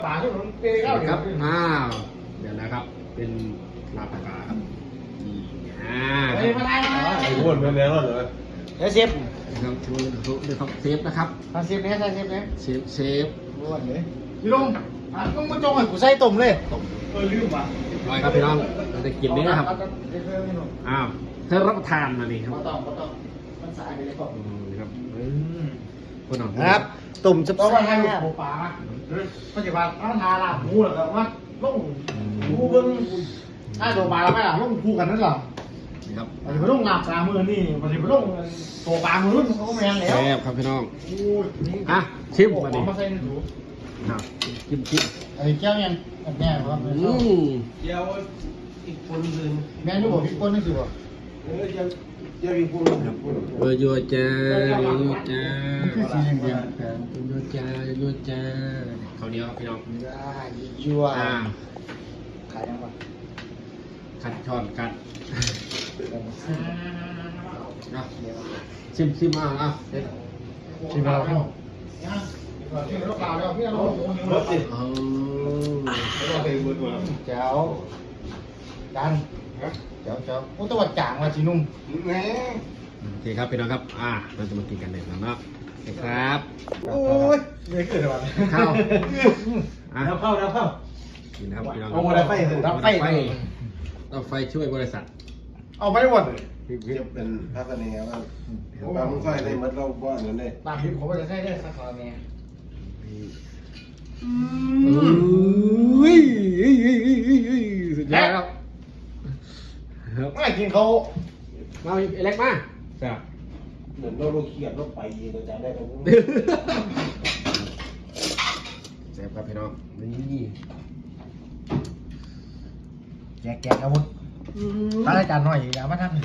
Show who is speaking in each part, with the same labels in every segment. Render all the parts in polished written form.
Speaker 1: ปลาที่ผมเปรี้ยว
Speaker 2: ครับเดี๋ยวนะครับเป็นลาบปลาครับ
Speaker 1: ไปมาได้ไหม
Speaker 3: ไอ้พวกนั้นแล้วเหรอ
Speaker 1: เดี๋ยวเซฟ
Speaker 2: ครับช่วยด้วยครับเซฟนะครับ
Speaker 1: เซฟเนี้ยใช่เซฟเนี้ย
Speaker 2: เซฟ
Speaker 1: รู้วันเลยพี่ลุงลุงมาจงให้กูใส่ตุ่มเลยลืมว่ะ
Speaker 2: ร้อยครับพี่น้องเราจะกินนี้นะครับเธอรับประทานมาดิครับ
Speaker 1: ไม่ต้องมันสายไปเลยก่อน
Speaker 2: ครับคนหนอง
Speaker 1: ครับตุ่มจะต้องมาให้ลูกปลาปัจจุบันน้ำทาลาหมูเหรอครับว่าลุงหมูเบิ้งถ้าตัวปลาแล้วไม่ล่ะลุงคู่กันนั่นหรอ
Speaker 2: ครับ
Speaker 1: ปัจจุบันลุงหลับตามือนี่ปัจจุบันลุงตัวปลามือรุ่นเขาก็แมงแล้ว
Speaker 2: แซ่บครับพี่น้องชิมมาดิ
Speaker 1: มาใส่ในถุง
Speaker 2: ครับชิม
Speaker 1: ไอ้แก้วยังแม่ครับ
Speaker 3: เดี๋ยวอีกคนนึง
Speaker 1: แม่ยูบอกพี่ก้นนี่สิบ่
Speaker 3: ยังอีกคนนึง
Speaker 2: โยจ้าโยจ้า
Speaker 1: คือสีเหลือง
Speaker 2: โยจ้าข้าวเหนียวครับพี่น้อง
Speaker 1: ยัวขายยังวะ
Speaker 2: ขัดช้อนกัดชิมเอาเด็ด
Speaker 1: ชิมเราชิมลูกเปล่าเดี๋ยวพี่เรารถสิแจ๋วดันแจ๋วโอ้ตัวจางมาจีนุ่ม
Speaker 3: แหม
Speaker 2: โอเคครับพี่น้องครับเราจะมากินกันเลยเนาะครับ
Speaker 1: โอ้ยไม่เกิดอะไร
Speaker 2: ข้าว
Speaker 3: แล้วเข้า
Speaker 2: กินนะครับพี่น้อง
Speaker 3: เอาอะไรไปสิ
Speaker 1: รับไฟ
Speaker 2: ต้องไฟช่วยบริษัท
Speaker 1: เอาไปหมด
Speaker 3: จะเป็นภาคเนว่าบางค่อยได้มัดเราบ้านนั้นได้
Speaker 1: ตามที่ผมจะใช้ได้สักครั้งเนี่ย
Speaker 2: สุดยอดครับ
Speaker 1: ไม่กินเขา
Speaker 2: มาเล็กมาจ้ะ
Speaker 3: เหมือนเราเครียดเราไปเราจะได้เรา
Speaker 2: เซฟครับพี่น้องนี่
Speaker 1: แกะอาวุธตั้งอาจารย์หน่อยอย่ามาทำ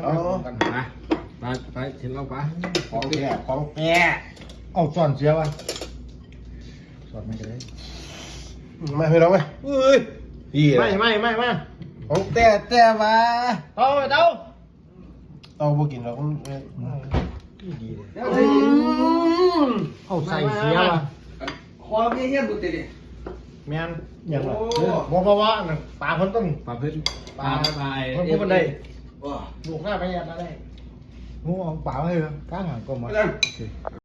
Speaker 2: ไปเห็นเราปะ
Speaker 3: ของแก่ของ
Speaker 1: แกเอาสอนเสียวะสอนไม่ได้
Speaker 3: ไม่ให้เราไหมเฮ้ยพี่
Speaker 1: ไม่
Speaker 3: ของแต่มา
Speaker 1: เอา
Speaker 3: ต้องบ่กินเรา
Speaker 1: ดีเลยเอาใส่เสียวะ
Speaker 3: คอเงี้ยบุตรดิ
Speaker 1: แม่นอย่างไรบอกเพราะว่าปลาเพิ่นต้อง
Speaker 2: ปลาพื้น
Speaker 1: ปลาเพิ่นมันได้ลูกหน้าไปยันอะไรงูเอาปลาให้ข้างหางก็มา
Speaker 3: ไม่ได้